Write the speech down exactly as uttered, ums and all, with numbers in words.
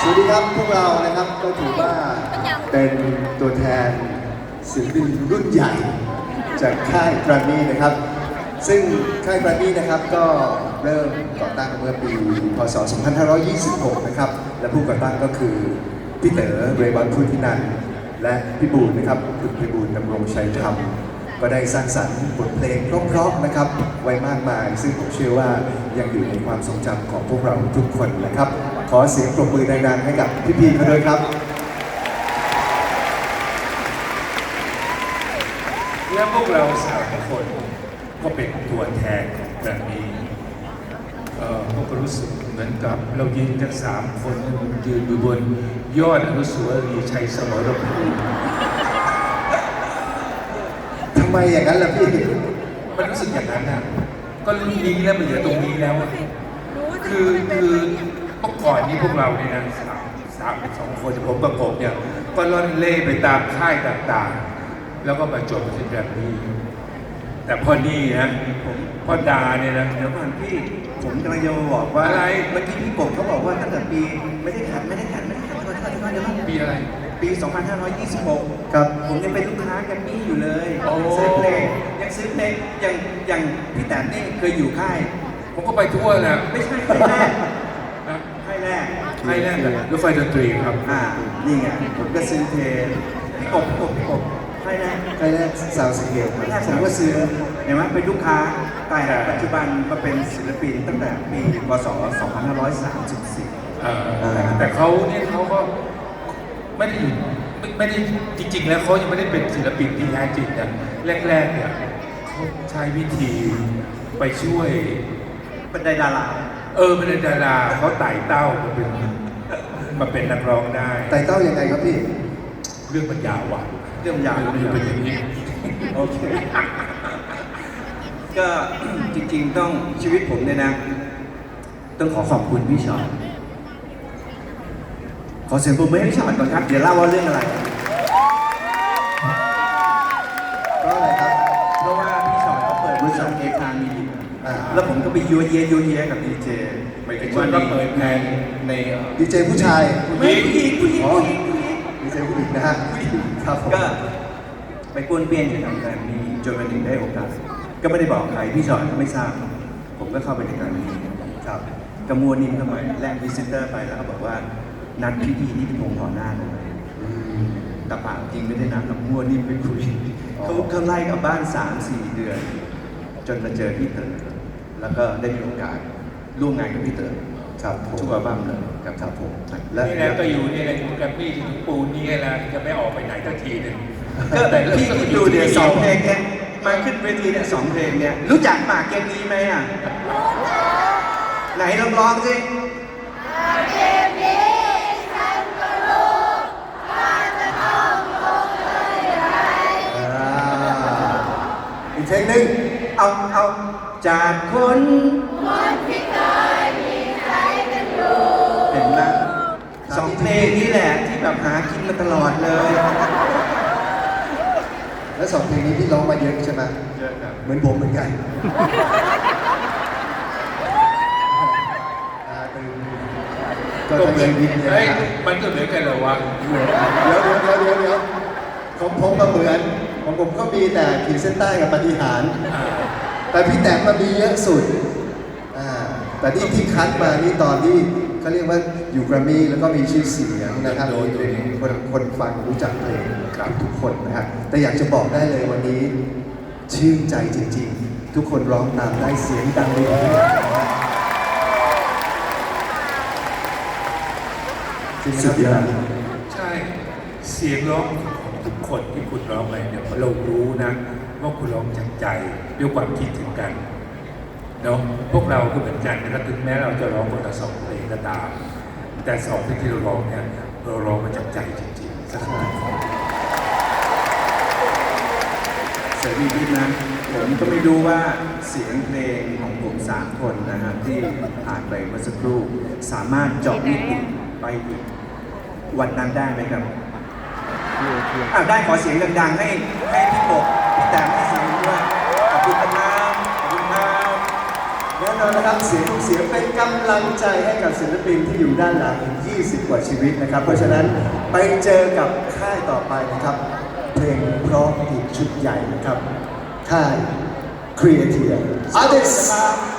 วัสดีครับพวกเรานะครับก็ถือว่าเป็นตัวแทนศิลปินรุ่นใหญ่จากค่ายแกรมมี่นะครับซึ่งค่ายแกรมมี่นะครับก็เริ่มก่อตั้งเมื่อปีพ.ศ. สองพันห้าร้อยยี่สิบหกนะครับและผู้ก่อตั้งก็คือพี่เต๋อเรย์บอนพุทธินันท์และพี่บูลนะครับคุณพี่บูลดำรงชัยธรรมก็ได้สร้างสรรค์บทเพลงเพราะๆนะครับไว้มากมายซึ่งผมเชื่อว่ายังอยู่ในความทรงจำของพวกเราทุกคนนะครับขอเสียงปรบมือดังๆให้กับพี่ๆเขาด้วยครับและพวกเราสามคนก็เป็นตัวแทนของแกรมมี่เอ่อพวกเรารู้สึกเหมือนกับเรายืนทั้งสามคนยืนอยู่บนยอดอนุสาวรีย์ชัยสมรภูมิทำไมอย่างนั้นล่ะพี่มันรู้สึกอย่างนั้นนะก็รุ่นนี้แล้วมันเหลือตรงนี้แล้วคือคือเมื่อก่อนนี้พวกเราเนี่ยนะสามสามสองคนผมประกบเนี่ยก็ล่อนเล่ไปตามค่ายต่างๆแล้วก็มาจบที่แกรมมี่แต่พอนี่นะผมพ่อดาเนี่ยนะเดี๋ยวก่อนพี่ผมกำลังจะมาบอกว่าอะไรเมื่อกี้พี่กบเขาบอกว่าตั้งแต่ปีไม่ได้ขัดไม่ได้ขัดไม่ได้ขัดเดี๋ยวก่อนเดี๋ยวก่อนเดี๋ยวก่อนปีอะไรปี สองพันห้าร้อยยี่สิบหกครับผมยังเป็นลูกค้าแกรมมี่อยู่เลยซื้อเพลงยังซื้อเพลงอย่างอย่างพี่แตนนี่เคยอยู่ค่ายผมก็ไปทั่วนะไม่ใช่ค่ายแรกค่ายแรกค่ายแรกรถไฟดนตรีครับอ่านี่ไงผมก็ซื้อเพลงพี่กบพี่กบพี่กบค่ายแรกค่ายแรกซาวด์สเกลแรกผมก็ซื้อเห็นไหมเป็นลูกค้าแต่ปัจจุบันมาเป็นศิลปินตั้งแต่ปีพ.ศ. สองพันห้าร้อยสามสิบสี่แต่เขาเนี่ยเขาก็ไม่ได้อยู่ไม่ได้จริงๆแล้วเขายังไม่ได้เป็นศิลปินที่แท้จริงนะแรกๆเนี่ยเขาใช้วิธีไปช่วยเป็นดาราเออเป็นดาราเขาไต่เต้ามาเป็นมาเป็นนักร้องได้ไต่เต้ายังไงครับพี่เรื่องมันยาวว่ะเรื่องยาวเป็นอย่างนี้โอเคก็จริงๆต้องชีวิตผมเนี่ยนะต้องขอขอบคุณพี่ชอตขอเสียงปรบมือให้พี่ชอตก่อนครับเดี๋ยวเล่าว่าเรื่องอะไรก็อะไรครับเพราะว่าพี่ชอตเขาเปิดบริษัทเอคามีแล้วผมก็ไปยัวเยียยัวเยียกับดีเจไปถึงว่าก็เปิดเพลงในดีเจผู้ชายผู้หญิงผู้หญิงผู้หญิงผู้หญิงดีเจผู้หญิงนะฮะครับก็ไปป้วนเปี้ยนอยู่ทางการนี้จนวันหนึ่งได้โอกาสก็ไม่ได้บอกใครพี่ชอตก็ไม่ทราบผมก็เข้าไปในการนี้ครับกระมวลนิ่มเข้ามาแลกวิสิเตอร์ไปแล้วก็บอกว่านัดพี่พีนี่เป็นวงต่อหน้าเลยแต่ปากจริงไม่ได้นัดกับมัวนิ่มไปคุยเขาเขาไล่กับบ้านสามสี่เดือนจนมาเจอพี่เต๋อแล้วก็ได้มีโอกาสร่วมงานกับพี่เต๋อครับทุกอัลบั้มเลยกับครับผมและนี่แหละก็อยู่นี่แหละอยู่กับพี่ถึงปูนนี่แหละจะไม่ออกไปไหนสักทีหนึ่งก็แต่พี่ดูเดี๋ยวสองเพลงเนี่ยมาขึ้นเวทีเนี่ยสองเพลงเนี่ยรู้จักหมากเกมนี้ไหมอ่ะไหนลองร้องสิเกมนี้ฉันก็รู้ว่าจะต้องลงเลยไรอีกเพลงหนึ่งเอาเอาจากคนคนที่เคยมีใจกันอยู่เห็นไหมสองเพลงนี้แหละที่แบบหากินมาตลอดเลยแล้วสองเพลงนี้พี่ร้องมาเยอะใช่ไหมเยอะครับเหมือนผมเหมือนกันก็เหมือนเฮ้ยมันก็เหมือนกันเหรอวะเดี๋ยวเดี๋ยวเดี๋ยวเดี๋ยวเดี๋ยวของผมก็เหมือนของผมก็มีแต่ขีดเส้นใต้กับปฏิหารแต่พี่แต้มมามีเยอะสุดแต่ที่ที่คัดมานี่ตอนที่เขาเรียกว่าอยู่แกรมมี่แล้วก็มีชื่อเสียงนะครับคนคนฟังรู้จักเพลงทุกคนนะครับแต่อยากจะบอกได้เลยวันนี้ชื่นใจจริงๆทุกคนร้องตามได้เสียงดังเลยสุดยอดใช่เสียงร้องของทุกคนที่คุณร้องไปเนี่ยเรารู้นะว่าคุณร้องจากใจด้วยความคิดถึงกันเนาะพวกเราก็เหมือนกันนะครับถึงแม้เราจะร้องคนละสองเพลงก็ตามแต่สองเพลงที่เราร้องเนี่ยเราร้องมาจากใจจริงๆสักครั้งเสรีพิษนะผมก็ไม่รู้ว่าเสียงเพลงของผมสามคนนะครับที่ผ่านไปเมื่อสักครู่สามารถเจาะมิติไปอีกวันนั้นได้ไหมครับอ้าวได้ขอเสียงดังๆให้ให้พี่กบพี่แต้มให้เสียงด้วยขอบคุณครับขอบคุณครับแน่นอนนะครับเสียงทุกเสียงเป็นกำลังใจให้กับศิลปินที่อยู่ด้านหลังอีกยี่สิบกว่าชีวิตนะครับ เพราะฉะนั้นไปเจอกับค่ายต่อไปนะครับ เพลงเพราะอีกชุดใหญ่นะครับ ค่าย Creative Artists